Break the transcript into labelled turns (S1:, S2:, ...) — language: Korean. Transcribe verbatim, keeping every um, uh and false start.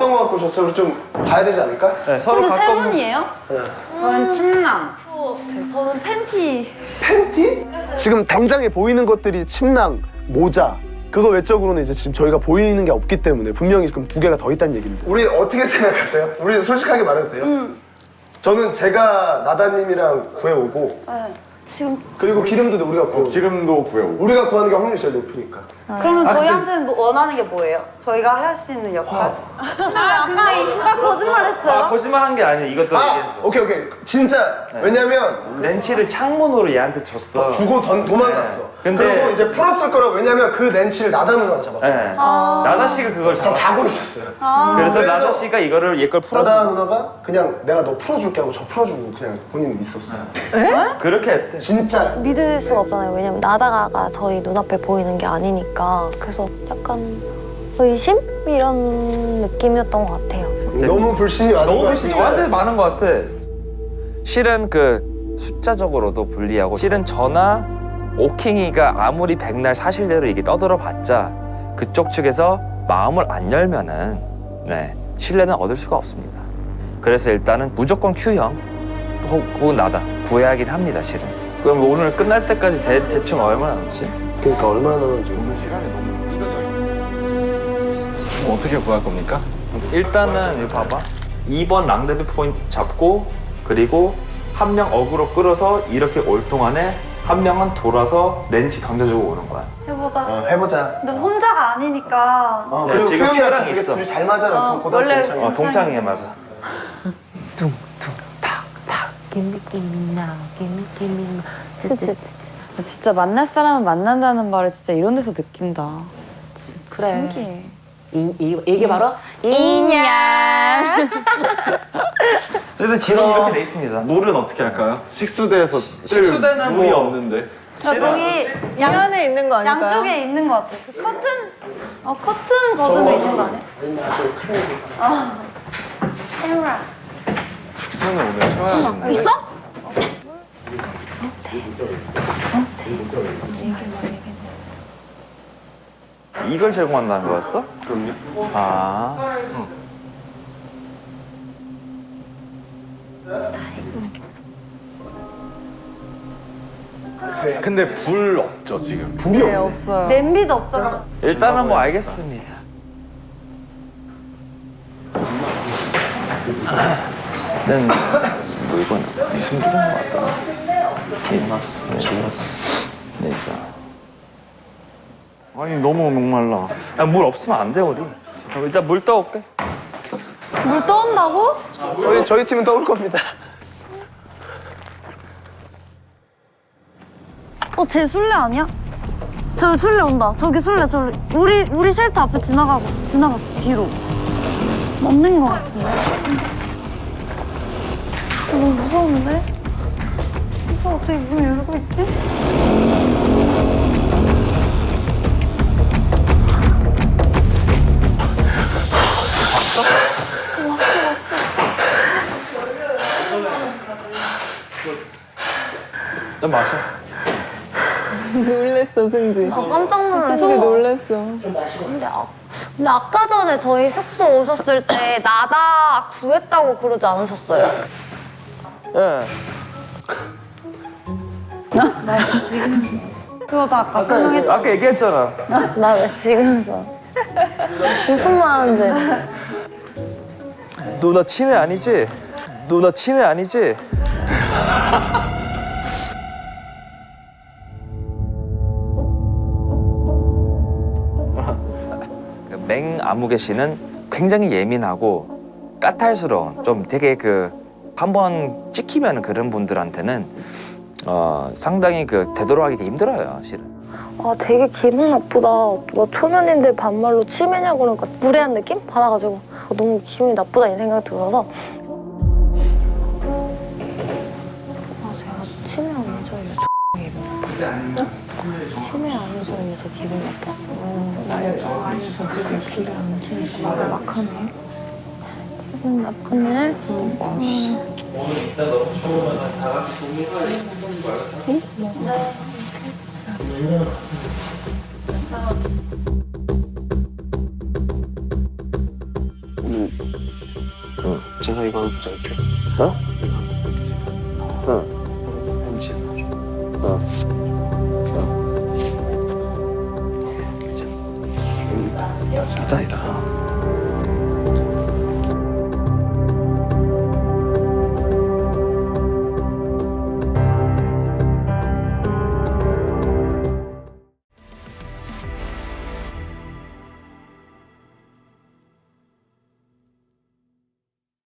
S1: 어떤 거 갖고 오셨어요? 우리 좀 봐야 되지 않을까?
S2: 네, 서로
S3: 근데 세
S2: 각각
S3: 분이에요?
S1: 네.
S3: 저는 침낭. 저는 팬티.
S1: 팬티? 지금 당장에 보이는 것들이 침낭, 모자. 그거 외적으로는 이제 지금 저희가 보이는 게 없기 때문에 분명히 그럼 두 개가 더 있다는 얘기입니다. 우리 어떻게 생각하세요? 우리 솔직하게 말해도 돼요?
S3: 음.
S1: 저는 제가 나다님이랑 구해오고
S3: 네. 지금
S1: 그리고 기름도 우리가 구해오고
S4: 기름도 구해오고.
S1: 우리가 구하는 게 확률이 제일 높으니까.
S3: 그러면
S1: 아,
S3: 저희한테는 뭐 원하는 게 뭐예요? 저희가 할 수 있는 역할? 근데 왜 아까 아까 거짓말했어요?
S2: 아, 거짓말 한 게 아니에요. 이것도
S1: 아!
S2: 얘기했어.
S1: 오케이 오케이 진짜 왜냐면
S2: 렌치를 창문으로 얘한테 줬어.
S1: 주고 던, 도망갔어.
S2: 네. 근데-
S1: 그리고 이제 풀었을 거라고 왜냐면 그 렌치를 나다 누나가 잡았고
S2: 네. 나다 씨가 그걸
S1: 자
S2: 잡았어.
S1: 자고 있었어요.
S2: 그래서,
S1: 그래서
S2: 나다 씨가 이거를 얘 걸 풀어.
S1: 나다 누나가 그냥 내가 너 풀어줄게 하고 저 풀어주고 그냥 본인은 있었어요.
S2: 그렇게 했대.
S1: 진짜
S5: 믿을 수가 없잖아요. 왜냐면 나다가 저희 눈앞에 보이는 게 아니니까. 그래서 약간 의심? 이런 느낌이었던 것 같아요.
S1: 너무 불신이 많은
S2: 너무
S1: 거야,
S2: 훨씬
S1: 진짜.
S2: 저한테 많은 것 같아. 실은 그 숫자적으로도 불리하고 실은 저나 오킹이가 아무리 백날 사실대로 이게 떠들어봤자 그쪽 측에서 마음을 안 열면은 네 신뢰는 얻을 수가 없습니다. 그래서 일단은 무조건 Q형 혹- 혹은 나다 구해야긴 합니다. 실은. 그럼 오늘 끝날 때까지 대, 대충 얼마나 남지?
S1: 그러니까 얼마나 남았지?
S4: 오늘 시간이 너무. 그럼 어떻게 구할 겁니까?
S2: 일단은 이거 봐봐. 이 번 랑레드 포인트 잡고 그리고 한 명 어그로 끌어서 이렇게 올 동안에 한 명은 돌아서 렌치 던져주고 오는 거야.
S3: 해보자.
S1: 어, 해보자.
S3: 근데 혼자가 아니니까.
S1: 어,
S2: 네,
S1: 그리고
S2: 지금
S1: 큐형이랑
S2: 큐랑
S1: 되게
S2: 있어.
S1: 둘이 잘 맞아요.
S3: 어,
S1: 고등학교
S3: 원래-
S1: 동창이.
S2: 어, 동창이에 맞아.
S5: 기미기미나 기미기미나 쯔쯔쯔.
S6: 진짜 만날 사람은 만난다는 말을 진짜 이런 데서 느낀다. 진짜
S5: 그래.
S6: 신기해.
S7: 이, 이, 이게 바로
S5: 인연.
S2: 어쨌든 지금 이렇게 돼 있습니다.
S4: 물은 어떻게 할까요? 식수대에서
S2: 식수대는
S4: 물이
S2: 뭐-
S4: 없는데.
S3: 그러니까 저기 양,
S8: 안에 있는 거 아닐까요?
S3: 양쪽에 있는 것 같아. 그 커튼, 어 커튼 거름에 있는 거 아니야? 어. 카메라.
S4: 식수는 오늘 채워야 되는데.
S3: 있어?
S2: 이걸 제공한다는 거였어?
S1: 그럼요.
S2: 아.
S4: 근데 불 없죠 지금.
S1: 불이
S8: 네,
S1: 없네.
S8: 없어요.
S3: 냄비도 없잖아.
S2: 일단은 뭐 알겠습니다. 일단 물건은 숨기는 것 같다. 일어났어. 잘났어. 그러니까.
S4: 아니 너무 목말라.
S2: 아, 물 없으면 안 돼 우리. 그럼 일단 물 떠올게.
S3: 물 떠온다고?
S1: 저희, 저희 팀은 떠올 겁니다.
S3: 어, 쟤 술래 아니야? 저기 술래 온다. 저기 술래, 저기. 우리, 우리 쉘터 앞에 지나가고, 지나갔어, 뒤로. 맞는 거 같은데? 어, 너무 무서운데? 오빠 어떻게 문을 열고 있지?
S2: 좀 마셔.
S8: 놀랬어, 승지.
S5: 아, 깜짝 놀랐어.
S8: 승지 놀랬어.
S5: 근데, 아, 근데 아까 전에 저희 숙소 오셨을 때 나다 구했다고 그러지 않으셨어요?
S2: 예.
S3: 그거도 아까 설명했잖아.
S2: 아까 얘기했잖아.
S5: 나 왜 지금서 무슨 말하는지.
S2: 누나 치매 아니지? 누나 치매 아니지? 그 맹아무개 씨는 굉장히 예민하고 까탈스러운 좀 되게 그 한 번 찍히면 그런 분들한테는 어 상당히 그 되돌아가기가 힘들어요, 실은.
S5: 아, 되게 기분 나쁘다. 뭐 초면인데 반말로 치매냐고 그러니까 무례한 느낌 받아가지고 너무 기분이 나쁘다 이 생각이 들어서. 아, 제가 치매 아니죠? 이래서 기분 나빴어. 치매 아니죠? 이래서 기분 나빴어.
S6: 아니 저 지금 귀를 안 키니까 말을 막 하네.
S5: 기분 나쁘네.
S1: 오늘 나 이거 하나 붙여줄게.
S2: 어?
S1: 이거 하나.
S2: 응.
S1: 벤치.
S2: 어.
S1: 이다 이다.